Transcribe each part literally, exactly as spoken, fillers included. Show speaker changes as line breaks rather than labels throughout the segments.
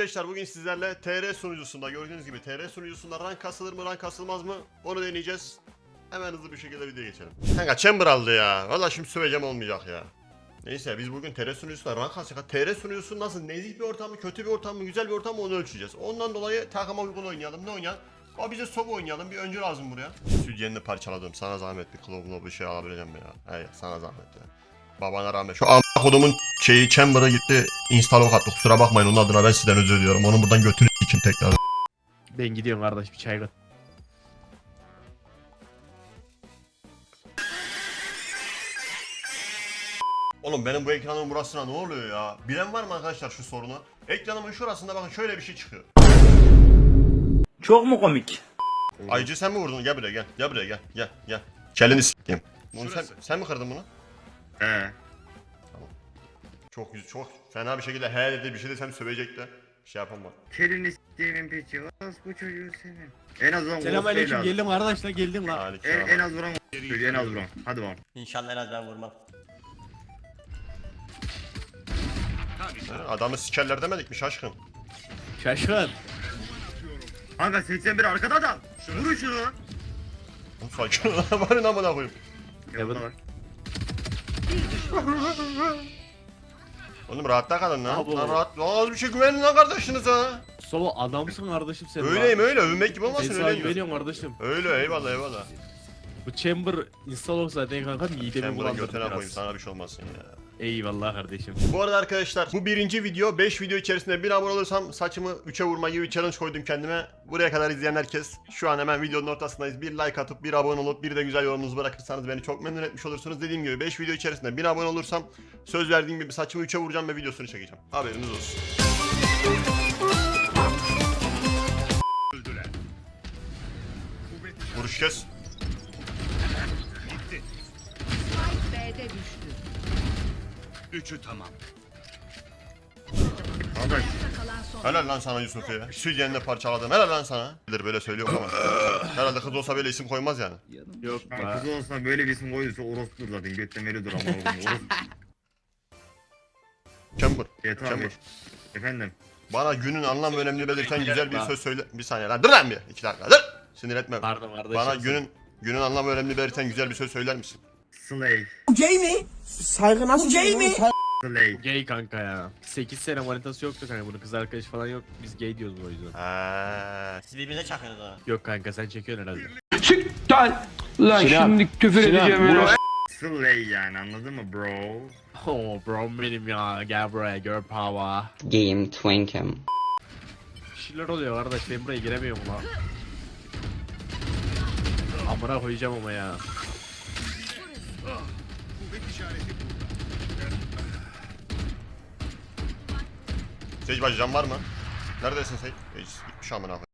Arkadaşlar bugün sizlerle T R sunucusunda gördüğünüz gibi T R sunucusunda rank kasılır mı rank kasılmaz mı onu deneyeceğiz. Hemen hızlı bir şekilde videoya geçelim. Kanka chamber aldı ya. Valla şimdi söveceğim olmayacak ya. Neyse biz bugün T R sunucusunda rank kasacak. T R sunucusu nasıl, nezih bir ortam mı, kötü bir ortam mı, güzel bir ortam mı onu ölçeceğiz. Ondan dolayı takıma uygun oynayalım. Ne oynayalım? O bize soba oynayalım. Bir öncü lazım buraya. Sütyenini parçaladım. Sana zahmet bir klobunu bir şey alabileceğim ya. Hayır sana zahmet ya. Babana rağmen şu a** kodumun şeyi chamber'a gitti. Install attı. Kusura bakmayın onun adına ben sizden özür diliyorum. Onun buradan götünü için tekrar.
Ben gidiyorum kardeş, bir çay koy.
Oğlum benim bu ekranın burasına ne oluyor ya? Bilen var mı arkadaşlar şu sorunu? Ekranımın şurasında bakın şöyle bir şey çıkıyor.
Çok mu komik?
Ayıcı sen mi vurdun? Gel buraya gel. Gel buraya gel. Gel gel. Kelini s**eyim. Bunu sen, sen mi kırdın bunu?
He.
Çok yüz çok fena bir şekilde he dedi, bir şey desem sövecekti. Bir şey yapamam.
Kelini s**timin piçi. Az bu çocuğu senin. En az vuran
Selamünaleyküm, geldim kardeşler, geldim lan.
Halik
En,
ya.
en az vuran en az vuran. Hadi bakalım.
İnşallah en az ben vurmam.
Adamı sikerler demedik mi şaşkın?
Şaşkın.
Kanka seksen bir arkada adam. Vurun şunu.
Oğlum sakin ol lan, bari amına koyayım.
Ya bu da var.
Oğlum rahatta kalın lan.
Abo.
Lan rahat. Az bir şey güvenin lan kardeşinize.
Sova adamsın kardeşim sen.
Öyleyim
lan.
öyle, övünmek gibi
Ben
olmasın
sana
öyle.
güveniyorum kardeşim.
Öyle eyvallah eyvallah.
Bu chamber install olsa zaten kanka midemi
Sen bunun
bulandırdı
götüne koyayım
biraz.
sana bir şey olmasın ya.
Eyvallah kardeşim.
Bu arada arkadaşlar bu birinci video. beş video içerisinde bir abone olursam saçımı üçe vurma gibi bir challenge koydum kendime. Buraya kadar izleyen herkes şu an hemen videonun ortasındayız. Bir like atıp bir abone olup bir de güzel yorumunuzu bırakırsanız beni çok memnun etmiş olursunuz. Dediğim gibi beş video içerisinde bir abone olursam söz verdiğim gibi saçımı üçe vuracağım ve videosunu çekeceğim. Haberiniz olsun. Vuruş kes.
B'de düştü.
Üçü tamam.
Kanka
Kalan son.
Helal lan sana Yusuf ya. Sütyenini parçaladım. Helal lan sana. Bilir böyle söylüyorum ama. Herhalde kız olsa böyle isim koymaz yani.
Yok
kanka
be.
kız olsa böyle bir isim koyduysa orospudur zaten. Götten veriyordur ama oğlum. Orospu.
Chamber.
Evet abi.
Chamber.
Efendim.
Bana günün anlam ve önemini belirten güzel bir söz söyle. Bir saniye lan dur lan bir. İki dakika dur. Sinir etme.
Pardon kardeşim.
Bana günün günün anlam ve önemini belirten güzel bir söz söyler misin?
Slay.
Gay mi? Saygı nasıl gay mi?
Slay.
Gay kanka ya. sekiz sene manitası yoktu kanka, bunun kız arkadaşı falan yok. Biz gay diyoruz o yüzden.
Ha.
Siz birbirinize çakıyorsunuz ona.
Yok kanka sen çekiyorsun herhalde.
Lan şimdi küfür edeceğim ya.
Slay yani anladın mı bro?
Oh bro benim ya, gel buraya, girl power.
Game Twinkum.
Bir şeyler oluyor kardeş, ben buraya giremiyorum lan. Amına koyacağım ama ya.
Sage bacı can var mı? Neredesin Sage? Sage bitmiş amına koyayım.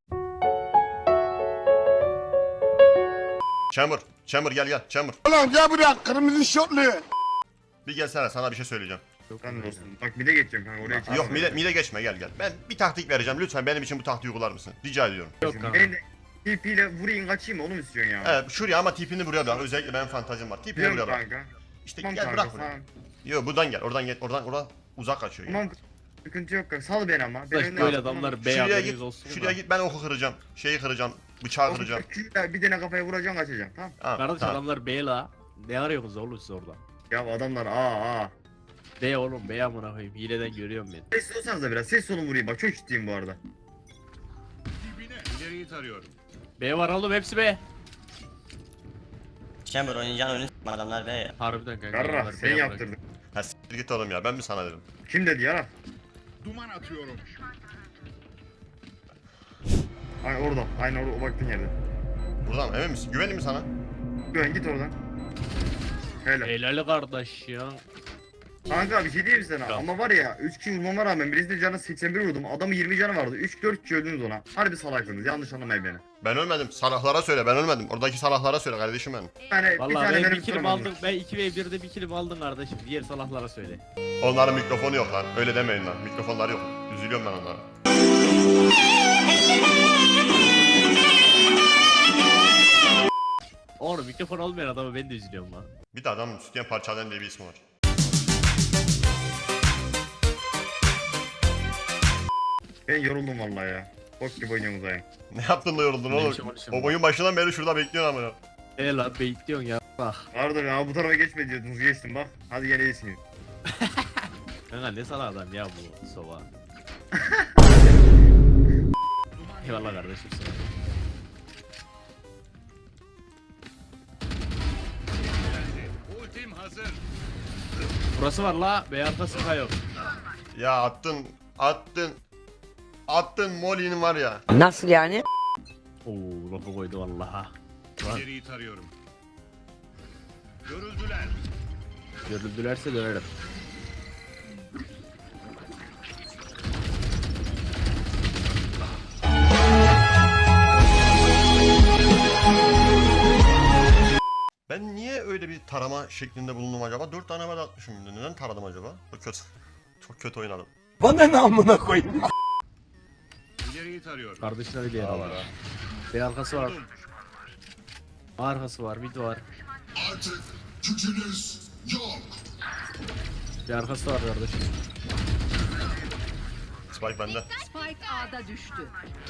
Chamber, Chamber gel gel, Chamber.
Ulan gel buraya kırmızı şortlu.
Bir gelsene sana bir şey söyleyeceğim.
Sen dostum. Bak bir de geçeceğim kanka oraya çıkma.
Yok mide, mide geçme gel gel. Ben bir taktik vereceğim lütfen benim için bu taktiği uygular mısın? Rica ediyorum.
Yok kanka.
Ben de T P ile vurayım kaçayım onu mu istiyorsun ya?
Evet şuraya ama tipini buraya bırak. Özellikle benim fantazim var. Tipini
Biliyorum
buraya bırak.
kanka.
İşte
Tamam
gel
kanka
bırak buraya.
tamam.
Yok buradan gel. Oradan gel. Oradan oradan uzak kaçıyor. Gel.
Tamam sıkıntı yok kanka. Sal beni ama. Ben
Arkadaş
önden
böyle
atmam.
adamlar bey
Şuraya
haberiniz
git.
olsun
Şuraya
da.
git ben oku kıracağım. Şeyi kıracağım. Bıçağı
O
kıracağım.
küçükler bir tane kafaya vuracaksın kaçacaksın tamam.
Ha,
Kardeş
tamam.
adamlar bey la. Ne arıyorsunuz oğlum siz orada?
Ya adamlar aa aa.
Bey oğlum, bey amına koyayım, hileden görüyorum ben.
Ses olsanız da biraz ses olun vurayım bak çok ciddiyim bu arada.
Dibine. İleriyi tarıyorum.
Bey var oğlum, hepsi bey.
Chamber oynayacağın oyunu s**tim adamlar be ya.
Harbiden kanka.
Yarra
adamlar
sen
bey amına
yaptırdın.
Ha siktir git oğlum ya ben mi sana dedim?
Kim dedi yara?
Duman atıyorum.
Ay orada. Aynı orada o baktığın yerde.
Buradan emin misin? Güvenli mi sana?
Güven git oradan. Helal.
Helal kardeş ya.
Kanka bir şey diyeyim sana
Tamam.
ama var ya üç kişi vurmama rağmen birisinin canı seksen bir vurdum. Adamın yirmi canı vardı. üç dört kişi öldünüz ona. Harbi salaksınız yanlış anlamayın beni.
Ben ölmedim. Salahlara söyle ben ölmedim. Oradaki salahlara söyle kardeşim benim.
Yani bir
Vallahi
tane
ben
benim
bir kilim
tutamadım.
aldım. Ben iki ve birde bir kilim aldım kardeşim. Diğer salaklara söyle.
Onların mikrofonu yok lan. Öyle demeyin lan. Mikrofonları yok. Üzülüyorum ben onlara.
Oğlum mikrofon olmayan adamı ben de üzülüyorum lan.
Bir de adamın sütyen parçalayan diye bir ismi var.
Ben yoruldum vallahi ya. Bok gibi oynuyorsunuz ayı.
Ne yaptın da yoruldun
Ne
oğlum?
işim var, işim
O
var.
oyun başından beri şurada bekliyorsun ama ya.
E lan baitliyorsun ya. Bak.
Pardon ya bu tarafa geçme diyordunuz geçtim bak. Hadi gene iyisiniz.
Kanka ne sana adam ya bu sova. Eyvallah kardeşim sana.
Ultim hazır.
Burası var la. B arkası yok.
Ya attın, attın, attın Molly'nin var ya.
Nasıl yani?
Oo lafı koydu vallaha. Lan
İleriyi tarıyorum. Görüldüler.
görüldülerse dönerim.
Ben niye öyle bir tarama şeklinde bulundum acaba? Dört tane bal atmışım şimdi. Neden taradım acaba? Çok kötü. Çok kötü oynadım.
Bana ne amına koyayım?
İleriyi tarıyorum.
Kardeşine bir yer al.
Allah.
B arkası var. A arkası var. Mid var. B arkası da var kardeşim.
Spike bende.
Spike A'da düştü.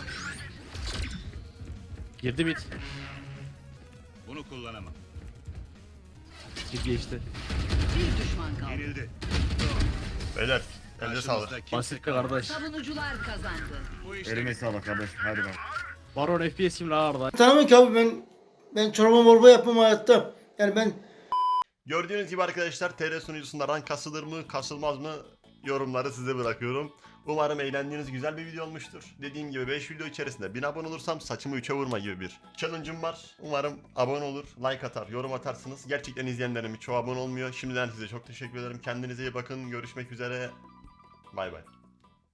Girdi mid.
Bunu kullanamam.
Mid geçti.
Bir düşman kaldı.
Yenildi.
Beyler, elde sağlık.
Karşımızda kimse
Basit'te
kalmadı.
kardeş.
Savunucular kazandı.
Bu işte
Elime sağlık kardeşim hadi bak.
Baron F P S kim la orada?
Tamam ki abi ben ben çorba morba yapmam hayatta. Yani ben
Gördüğünüz gibi arkadaşlar T R sunucusunda rank kasılır mı, kasılmaz mı yorumları size bırakıyorum. Umarım eğlendiğiniz güzel bir video olmuştur. Dediğim gibi beş video içerisinde bin abone olursam saçımı üçe vurma gibi bir challenge'ım var. Umarım abone olur, like atar, yorum atarsınız. Gerçekten izleyenlerin çoğu abone olmuyor. Şimdiden size çok teşekkür ederim. Kendinize iyi bakın. Görüşmek üzere. Bay bay.